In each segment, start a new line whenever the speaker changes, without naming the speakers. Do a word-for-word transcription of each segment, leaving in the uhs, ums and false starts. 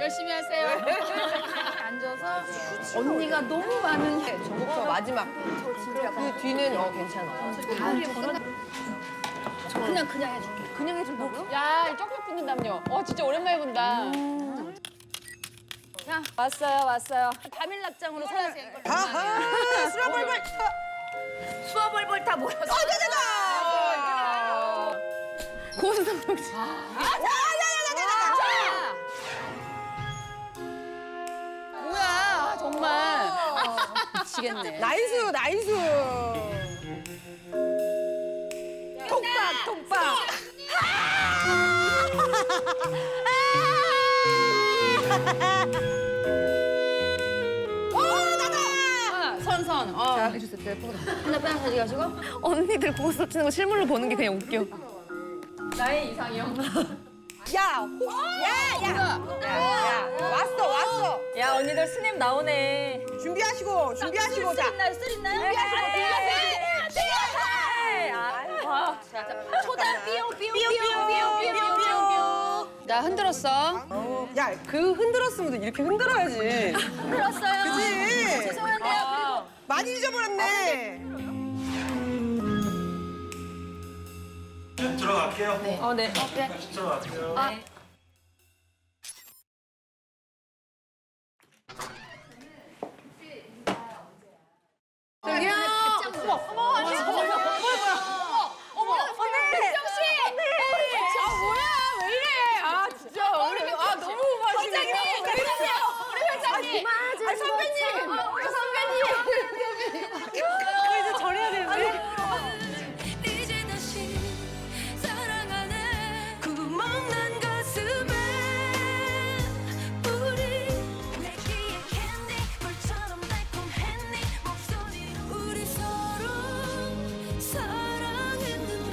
열심히 하세요. 앉아서 언니가 너무 많은 게
저부터 마지막. 그 뒤는 어 괜찮아.
그냥 그냥 해줄게.
그냥 해준다고요?
야, 이 쪽쪽 붙는다며. 어, 진짜 오랜만에 본다.
자, 왔어요, 왔어요. 밤일 납장으로 살아.
아하! 수라벌벌!
수화벌벌 다 모여서.
어, 되다!
고수성룡 씨.
뭐야, 아, 정말.
미치겠네.
나이스, 나이스! 통박, 통박!
선선. 어.
자, 해주세요. 네,
하나 빼앗 가져가시고.
언니들 고스톱 치는 거 실물로 보는 게 그냥 웃겨.
나의 이상형.
야! 호, 야! 야! 야, 야! 왔어, 왔어!
야, 언니들 스냅 나오네.
준비하시고, 준비하시고, 자.
있나요? 쓸 있나요? 초단 삐용 삐용 삐용 삐용 삐용 삐용 삐용. 나 흔들었어.
어, 야, 그 흔들었으면 이렇게 흔들어야지.
흔들었어요.
그치?
죄송한데요.
많이 잊어버렸네.
네, 들어갈게요.
네.
어, 네.
들어갈게요.
아.
저기요!
어머, 어머, 어머, 어머, 언니, 백정 씨, 아 뭐야, 왜 이래? 아 진짜 우리 아 너무 맛있네. 회장님, 회장님, 우리 회장님, 아 선배님, 우리 선배님.
이제 절해야 되는데.
이제 다시 사랑하네 구멍난 가슴에 우리 내기에 캔디 물처럼 달콤했니 목소리로 우리 서로 사랑했는데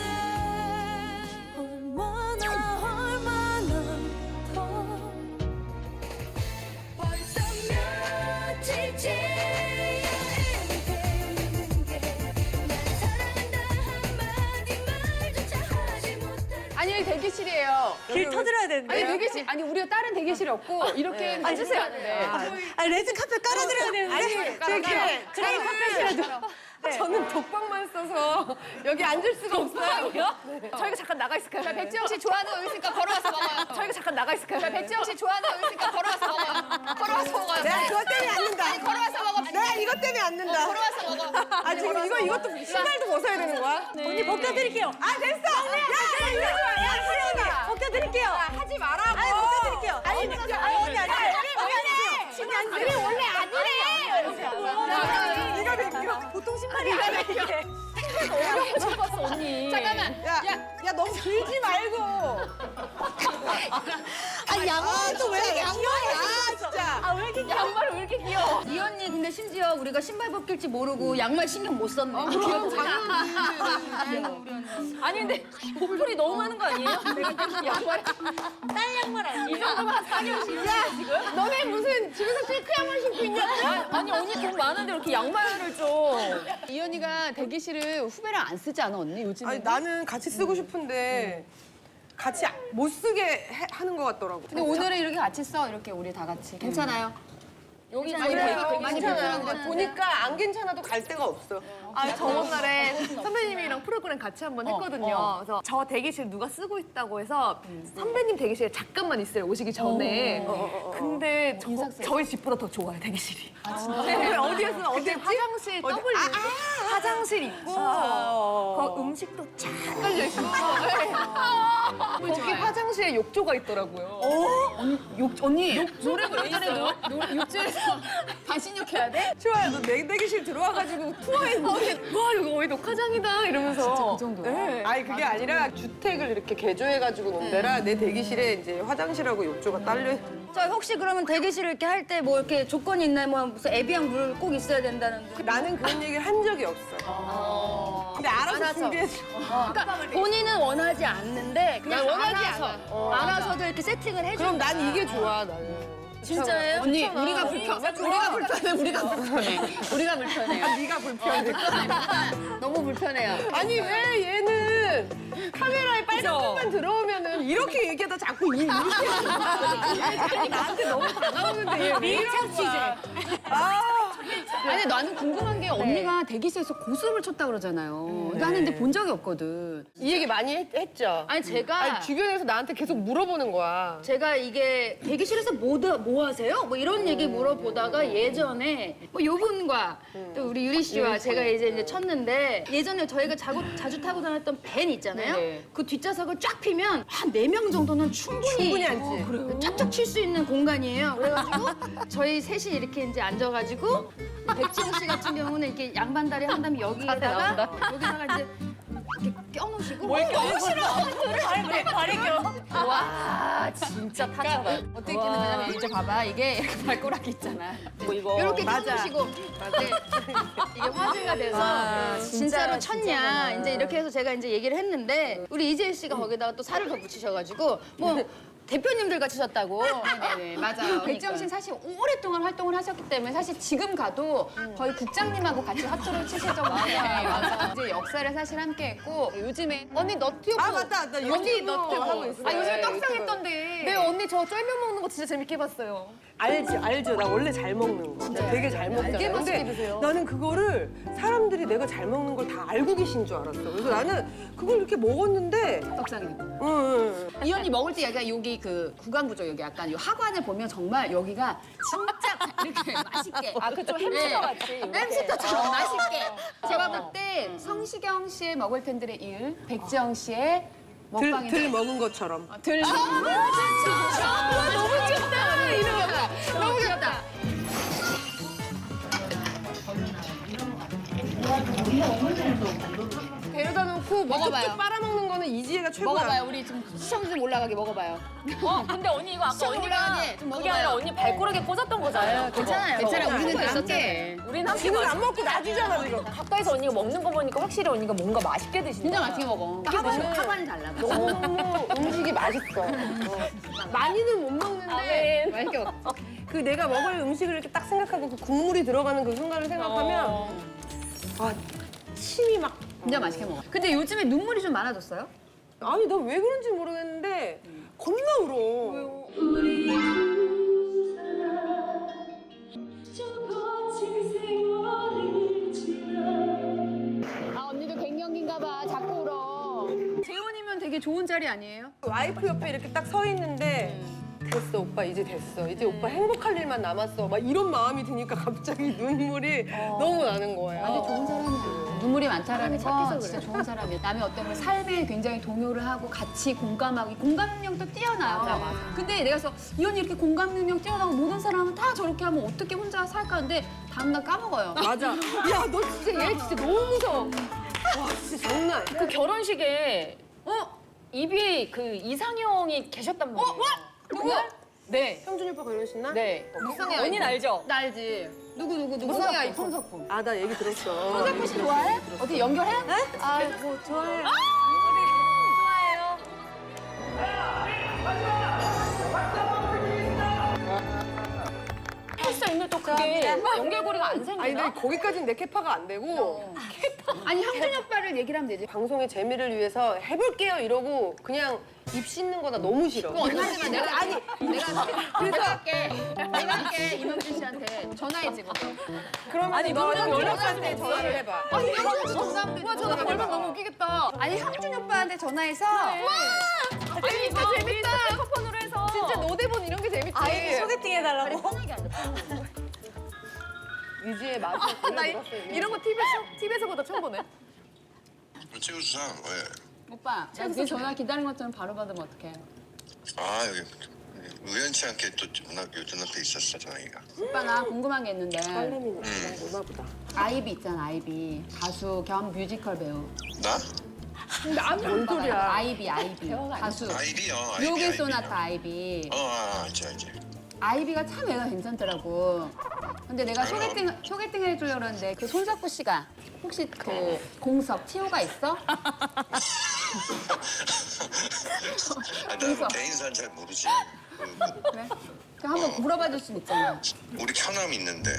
얼마나 얼마나 더 벌써 며칠째
아니, 여기 대기실이에요.
길 터드려야 되는데.
아니, 대기실. 아니, 우리가 다른 대기실이 없고, 이렇게 앉으세요.
아, 레드 카펫 깔아드려야 되는데.
아니, 저기,
그레이 카펫이라도.
저는 독방만 써서 여기 앉을 수가 없어요.
저희가 잠깐 나가 있을까요?
자, 백지영 씨 좋아하는 거 있으니까 걸어와서 먹어요.
저희가 잠깐 나가 있을까요?
자, 백지영 씨 좋아하는 거 있으니까 걸어와서 먹어요. 걸어와서 먹어요.
내가 그것 때문에 앉는다.
아니, 걸어와서 먹어.
내가 이것 때문에 앉는다.
걸어와서 먹어.
아, 지금 이거, 이것도 신발도 벗어야 되는 거야?
언니 벗겨드릴게요.
아, 됐어! 야, 이거 좋아. 야, 수영아.
벗겨드릴게요.
하지 말라고.
아니, 벗겨드릴게요.
아니,
언니,
진짜.
아니, 언니, 아니.
신이 안 돼. 원래 아니래. 이거 벗겨.
보통 신발이 아니에요.
처음 봤어, 언니.
잠깐만.
야, 야, 너무 들지 말고.
아, 양말도 왜 이렇게 귀여워?
아, 진짜.
아, 왜 이렇게
양말을 왜 이렇게 귀여워?
이 언니 근데 심지어 우리가 신발 벗길지 모르고 양말 신경 못 썼네.
그럼 당연히.
아니, 근데 보풀이 너무 많은 거 아니에요? 양말.
딸 양말 아니에요?
이 정도면 사겨우시냐, 지금?
너네 무슨 집에서 실크 양말 신고 있냐?
아니, 언니 돈 많은데 이렇게 양말을 줘.
이 언니가 대기실을 후배랑 안 쓰지 않아 언니 요즘에?
아니, 나는 같이 쓰고 싶은데 같이 못 쓰게 해- 하는 것 같더라고.
근데 오늘은 이렇게 같이 써 이렇게 우리 다 같이 괜찮아요?
여기
아니,
되게-
그래요.
되게
많이
괜찮아.
불편한
근데
거
보니까 안 괜찮아도 갈 데가 없어.
아, 저번 날에 선배님이랑 프로그램 같이 한번 했거든요.
어.
그래서 저 대기실 누가 쓰고 있다고 해서 선배님 대기실에 잠깐만 있어요, 오시기 전에. 근데 저, 저희 집보다 더 좋아요, 대기실이. 아, 진짜? 어디에서 어디 화장실 W. 화장실 있고, 거 음식도 쫙 깔려있고. 거기 화장실에 욕조가 있더라고요.
욕 언니 노래 예전에 욕조에서 반신욕해야 돼?
좋아요. 너 내 대기실 들어와가지고 투어했는데.
와, 여기 거의 녹화장이다, 이러면서. 진짜 그
정도야?
네.
아니, 그게 아니라 주택을 이렇게 개조해가지고 놓은 데라 내 대기실에 이제 화장실하고 욕조가 딸려.
저 혹시 그러면 대기실 이렇게 할 때 뭐 이렇게 조건이 있나요? 뭐 무슨 에비앙 물 꼭 있어야 된다는데.
나는 그런 얘기를 한 적이 없어. 근데 알아서 준비해줘.
그러니까 본인은 원하지 않는데 그냥
난 원하지
알아서
않아. 어,
알아서도 이렇게 세팅을 해줘.
그럼 난 이게 좋아, 나는.
진짜예요?
언니 우리가 불편 우리가 불편해 우리가 불편해 우리가 불편해요.
네가 불편해.
너무 불편해요.
아니 왜 얘는 카메라에 빨간 것만 들어오면은 이렇게 얘기하다 자꾸 이 이렇게 얘 나한테 너무 다가오는데 얘 밀착 취재. 아,
아니 나는 궁금한 게 언니가 대기실에서 고스톱을 쳤다 그러잖아요. 나는 근데 본 적이 없거든.
이 얘기 많이 했, 했죠.
아니 제가
아니, 주변에서 나한테 계속 물어보는 거야.
제가 이게 대기실에서 뭐, 드- 뭐 하세요? 뭐 이런 얘기 물어보다가 예전에 뭐 요분과 또 우리 유리 씨와 제가 이제, 이제 쳤는데 예전에 저희가 자고, 자주 타고 다녔던 밴 있잖아요.
네네.
그 뒷좌석을 쫙 피면 한 네 명 정도는 충분히,
충분히 앉지.
쫙쫙 칠 수 있는 공간이에요. 그래가지고 저희 셋이 이렇게 이제 앉아가지고 백지영 씨 같은 경우는 이렇게 양반다리 한 다음에 여기에다가 여기다가 이제 이렇게 껴놓으시고 뭘 껴놓으시러 발이 발이 껴.
와 진짜 타짜다. 어떻게 끼는 거냐면 이제 봐봐 이게 이렇게 발가락이 있잖아.
뭐 이거
이렇게
맞아.
껴놓으시고 네. 이게 화제가 돼서 진짜로 쳤냐 이제 이렇게 해서 제가 이제 얘기를 했는데 우리 이재일 씨가 거기다가 또 살을 더 붙이셔가지고 뭐 대표님들 같이 쳤다고.
네네 맞아요. 백지영 씨는 사실 오랫동안 활동을 하셨기 때문에 사실 지금 가도 거의 국장님하고 같이 화투를 치실 정도예요. 맞아. 이제 역사를 사실 함께했고 요즘에 언니 너튜브.
아 맞다 맞다.
언니
유튜브
너튜브
하고 있어.
아 요즘에
네,
떡상했던데.
네 언니 저 쫄면 먹는 거 진짜 재밌게 봤어요.
알지 알죠. 나 원래 잘 먹는 거. 진짜 되게 잘 먹잖아.
알게 맛있게
근데
드세요.
나는 그거를 사람들이 내가 잘 먹는 걸 다 알고 계신 줄 알았어. 그래서 나는 그걸 이렇게 먹었는데,
떡상이.
응, 응.
이 언니 먹을 때 약간 여기 그 구강구조 여기 약간 이 하관을 보면 정말 여기가 진짜 이렇게 맛있게.
아 그쪽 햄스터 같이.
햄스터처럼 맛있게. 제가 볼 때 성시경 씨의 먹을 텐들의 일, 백지영 씨의
들,
먹방이
들 먹은 것처럼.
들. 아, 너무 귀엽다. 이러면 너무 귀엽다.
데려다 놓고 뭐
먹어봐요.
쭉쭉 빨아먹는 거는 이지혜가 최고야.
먹어봐요. 우리 지금 시청자들 올라가게 먹어봐요.
어 근데 언니 이거 아까
시험
언니가
올라가니? 좀
그게 아니라
먹어봐요.
언니 발가락에 꽂았던 거잖아요.
괜찮아요. 괜찮아요. 우리는 다 함께.
우리는 함께
지금
마시-
안 먹고 놔주잖아 지금.
가까이서 언니가 먹는 거 보니까 확실히 언니가 뭔가 맛있게 드신다.
진짜 맛있게 먹어. 하관이, 하관이 달라.
너무너무 음식이 맛있어. 어. 많이는 못 먹는데
아멘.
맛있게 먹어.
그 내가 먹을 음식을 이렇게 딱 생각하고 그 국물이 들어가는 그 순간을 생각하면
어.
아 침이 막
진짜 맛있게 먹어. 근데 요즘에 눈물이 좀 많아졌어요?
아니 나 왜 그런지 모르겠는데 겁나 울어.
아 언니도 갱년기인가 봐. 자꾸 울어. 재혼이면 되게 좋은 자리 아니에요?
와이프 옆에 이렇게 딱 서 있는데 됐어 오빠 이제 됐어 이제 오빠 행복할 일만 남았어 막 이런 마음이 드니까 갑자기 눈물이 너무 나는 거예요.
완전 좋은 사람이야. 눈물이 많다라는 건 진짜 좋은 사람이야. 남의 어떤 걸 삶에 굉장히 동요를 하고 같이 공감하고 이 공감 능력도 뛰어나요.
맞아, 맞아.
근데 내가 그래서 이 언니 이렇게 공감 능력 뛰어나고 모든 사람은 다 저렇게 하면 어떻게 혼자 살까 하는데 다음날 까먹어요.
맞아. 야 너 진짜 얘 진짜 너무 무서워. 와 진짜 장난 아니야.
그 결혼식에 어 입이 그 이상형이 계셨단 말이에요. 어?
누구?
네.
형준이 오빠 결혼식 날?
네.
무성의
언니는 알죠?
나 알지. 누구 누구 누구?
무성의
아이폰. 손석구.
아 나 얘기 들었어.
손석구 씨 좋아해? 어떻게 연결해?
아뭐 좋아해.
헬스 있는데 또 그게 연결고리가 안
아니
생기나?
근데 거기까지는 내 캐파가 안 되고
아니 형준이 오빠를 얘기를 하면 되지.
방송의 재미를 위해서 해볼게요 이러고 그냥 입 씻는 거나 너무 싫어.
그거 언니지만 내가 아니 내가 그래서 할게. 내가 할게 이명준 씨한테 전화해 지금.
그러면
아니,
너
그러면
연락할
연락할
때
수
전화를 해봐.
아니 형준 씨 전화하면 와 전화 걸면 너무 웃기겠다. 아니 형준 오빠한테 전화해서 와
아니 이거 재밌다. 스피커폰으로 해서.
진짜 노대본 이런 게 재밌지.
아예
소개팅 해달라고.
편하게 안 돼.
유지의 맛을
나 이-
들었어요.
이런 거 티비에서 티비에서보다 처음 보네.
찍어주자. 왜?
오빠 내 전화 기다린 것처럼 바로 받으면 어떡해.
아 여기 우연치 않게 또 전화 요즘 앞에 있었어 전화기가.
오빠 나 궁금한 게 있는데
딸내미는 누나 보다.
아이비 있잖아 아이비 가수 겸 뮤지컬 배우.
나?
뭔 소리야.
아이비 아이비 가수.
아이비요. 아이비,
묘길
아이비요.
소나타 아이비.
어, 아, 알지 알지.
아이비가 참 애가 괜찮더라고. 근데 내가
아유.
소개팅 소개팅 해주려고 그러는데 그 손석구 씨가 혹시 그 공석 티오가 있어?
아, 나 개인사는 잘 모르지.
그래? 그럼 한번 물어봐 줄 수 있잖아.
우리 처남 있는데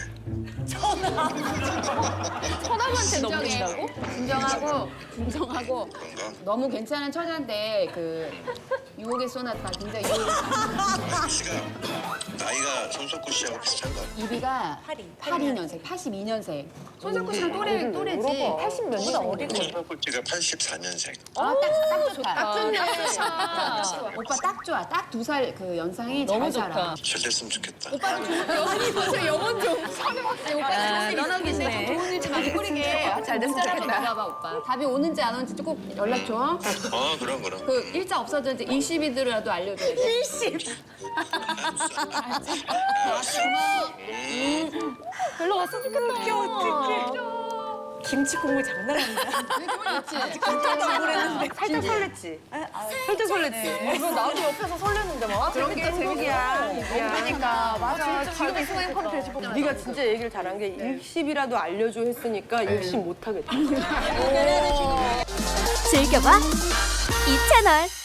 처남한테 넘긴다고?
진정하고 진정하고
그런가?
너무 괜찮은 처자인데 그 유혹의 소나타 굉장히 유혹의
아, 씨가 나이가 손석구 씨하고 비슷한가?
이비가 팔십이 년생, 팔십이 년생. 손석구 씨랑 또래 또래지.
팔십 몇 년 어리고.
손석구 씨가 팔십사 년생.
아, 딱, 딱 좋다. 딱
좋네.
오빠 딱 좋아. 딱 두 살 그 연상이 잘 살아.
잘 됐으면 좋겠다.
오빠는 좋은
아니 벌써 영혼 좀.
아니, 오빠는 좋은 일 있으니까 좋은 일좀 많이 꾸리게. 잘 됐으면 좋겠다. 나가봐 오빠. 답이 오는지 안 오는지 꼭 연락 줘.
어, 그럼 그럼.
그 일자 없어졌는지 일시비들이라도 알려줘야 돼.
알았어. 음.
별로 왔으면 좋겠다. 어떡해. 김치 국물 장난 아니야.
살짝 설렜지? 살짝 설렜지?
이거 나도 옆에서 설레는데 막.
그런 게 재밌이야.
그러니까 맞아.
지금 이 순간에 컴퓨터 되짚어
네가 진짜 얘기를 잘한 게 일십이라도 알려줘 했으니까 일십 못하겠다.
즐겨봐 이 채널.